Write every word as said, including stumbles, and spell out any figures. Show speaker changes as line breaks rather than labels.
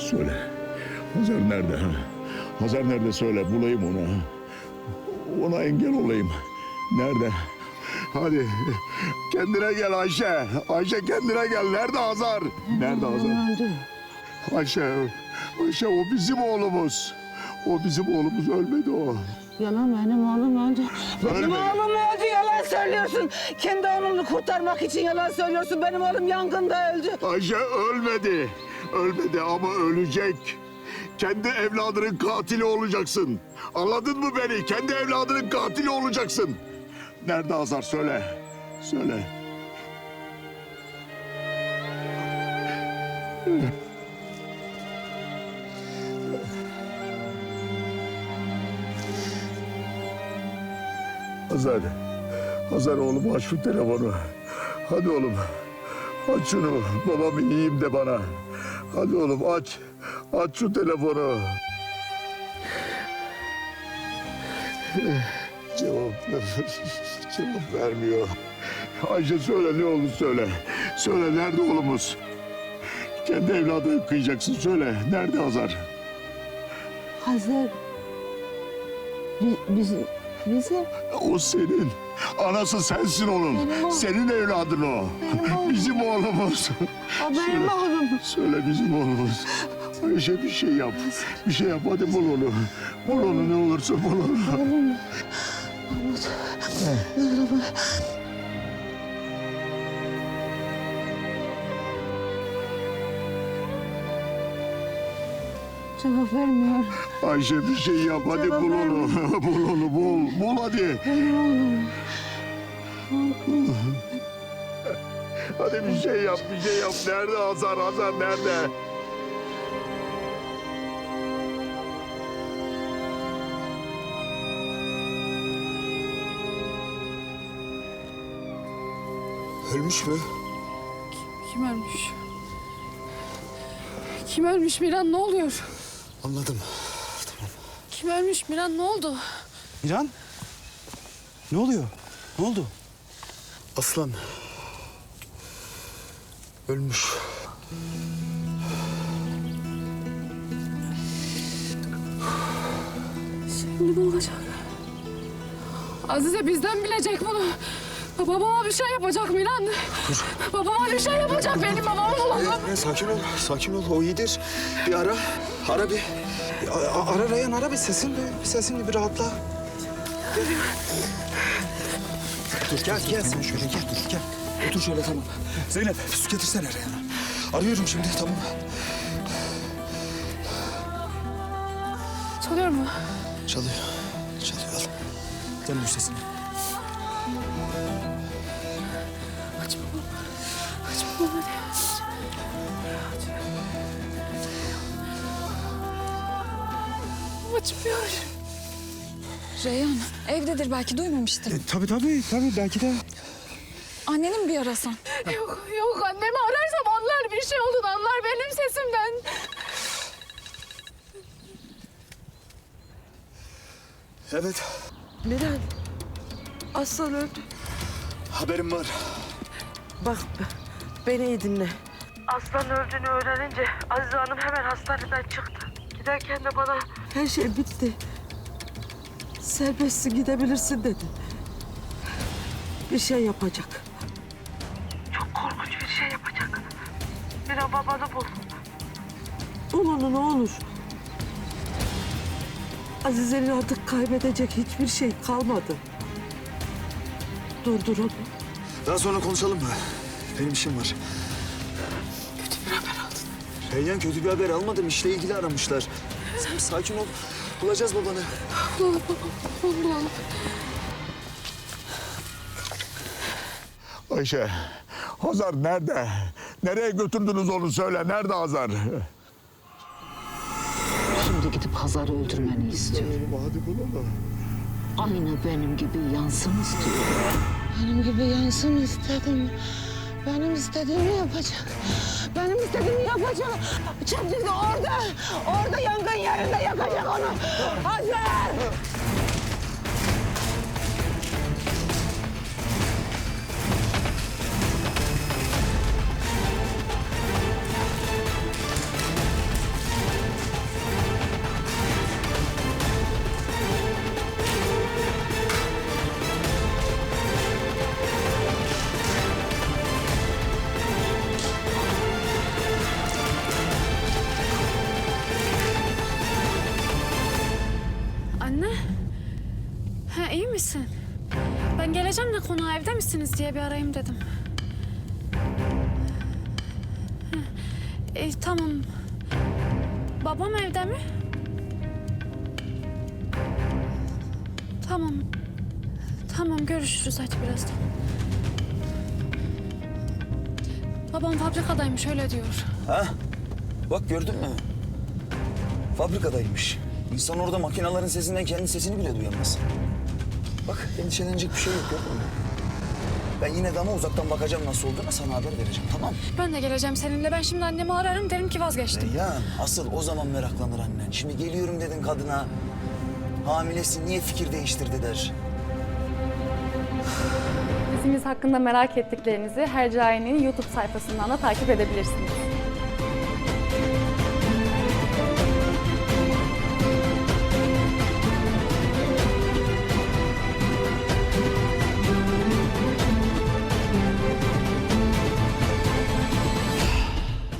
söyle. Hazar nerede ha? Hazar nerede söyle, bulayım onu ha. Ona engel olayım. Nerede? Hadi kendine gel Ayşe. Ayşe kendine gel. Nerede Hazar? Nerede Hazar?
Öldü.
Ayşe, Ayşe o bizim oğlumuz. O bizim oğlumuz, ölmedi o.
Yalan, benim oğlum öldü. Benim
Ölmedi.
oğlum öldü, yalan söylüyorsun. Kendi oğlunu kurtarmak için yalan söylüyorsun. Benim oğlum yangında öldü.
Ayşe ölmedi. Ölmedi ama ölecek. Kendi evladının katili olacaksın. Anladın mı beni? Kendi evladının katili olacaksın. Nerede Hazar? Söyle. Söyle. Hazar. Hazar oğlum, aç şu telefonu. Hadi oğlum. Aç şunu. Babam iyiyim de bana. Hadi oğlum aç. Aç şu telefonu. Cevap cevap vermiyor. Ayşe söyle, ne olur söyle. Söyle, nerede oğlumuz? Kendi evladını kıyacaksın, söyle. Nerede Hazar?
Hazır. Biz, biz, bizim.
O senin. Anası sensin onun.
Benim oğlum.
Senin evladın o.
Benim oğlum.
Bizim oğlumuz.
O benim
Söyle.
oğlum.
Söyle, bizim oğlumuz. Ayşe bir şey yap. Bir şey yap, hadi bul onu. Bul onu, ne olursa bul onu.
Oğlum. Mahmut. Merhaba. Cevap vermiyor.
Ayşe bir şey yap, hadi
Cevap
bul onu. Bul onu, bul. Bul hadi.
Benim oğlum.
Hadi bir şey yap, bir şey yap. Nerede Hazar? Hazar nerede?
Ölmüş mü?
Kim ölmüş? Kim ölmüş Miran, ne oluyor?
Anladım. Tamam.
Kim ölmüş Miran, ne oldu?
Miran? Ne oluyor? Ne oldu? Aslan. Ölmüş.
Şimdi ne olacak? Azize bizden bilecek bunu. Babama bir şey yapacak Miran. Babama bir şey yapacak, benim babamı bulalım.
Ne, sakin ol, sakin ol. O iyidir. Bir ara, ara bir. bir a- ara Reyhan, ara bir sesin bir, sesini bir rahatla. Gel. Dur, gel, gel sen şöyle, gel, dur, gel. Otur şöyle, tamam. Zeynep, su getirsene Reyhan'a. Arıyorum şimdi, tamam.
Çalıyor mu?
Çalıyor, çalıyor. Al. Dönmüş sesini.
Aç babam. Aç babam hadi. Açmıyor.
Reyhan evdedir, belki duymamıştır.
E, tabii tabii, tabii. Belki de.
Anneni mi bir arasan?
Yok yok, annemi ararsam anlar, bir şey olduğunu anlar benim sesimden.
Evet,
Miran. Aslan öldü.
haberim var.
Bak beni iyi dinle. Aslan öldüğünü öğrenince Azize Hanım hemen hastaneden çıktı. Giderken de bana her şey bitti. Serbestsin, gidebilirsin dedi. Bir şey yapacak. Çok korkunç bir şey yapacak. Bir an babanı bul. Bul onu, ne olur. Azize'nin artık kaybedecek hiçbir şey kalmadı. Durdur onu.
Daha sonra konuşalım mı? Benim işim var.
Kötü bir haber aldın.
Reyhan, kötü bir haber almadım. İşle ilgili aramışlar. Sen bir sakin ol. Bulacağız babanı.
Bulalım babam, babam bulalım.
Ayşe, Hazar nerede? Nereye götürdünüz onu, söyle. Nerede Hazar?
Şimdi gidip Hazar'ı öldürmeni istiyorum.
Hadi bul onu.
Aynı benim gibi yansın istiyorum. Benim gibi yansın istedim. Benim istediğimi yapacak. Benim istediğimi yapacak. Çiftlikte orada, orada yangın yerinde yakacak onu. Hazar!
misin? Ben geleceğim de konağa evde misiniz diye bir arayayım dedim. Heh. E, tamam. Babam evde mi? Tamam. Tamam görüşürüz hadi birazdan. Babam fabrikadaymış öyle diyor.
Ha? Bak gördün mü? Fabrikadaymış. İnsan orada makinelerin sesinden kendi sesini bile duyamaz. Bak endişelenecek bir şey yok gördün mü? Ben yine de ama uzaktan bakacağım nasıl olduğuna sana haber vereceğim tamam mı?
Ben de geleceğim seninle. Ben şimdi annemi ararım derim ki vazgeçtim.
Reyhan asıl o zaman meraklanır annen. Şimdi geliyorum dedin kadına. Hamilesin niye fikir değiştirdi der.
Dizimiz hakkında merak ettiklerinizi Hercai'nin YouTube sayfasından da takip edebilirsiniz.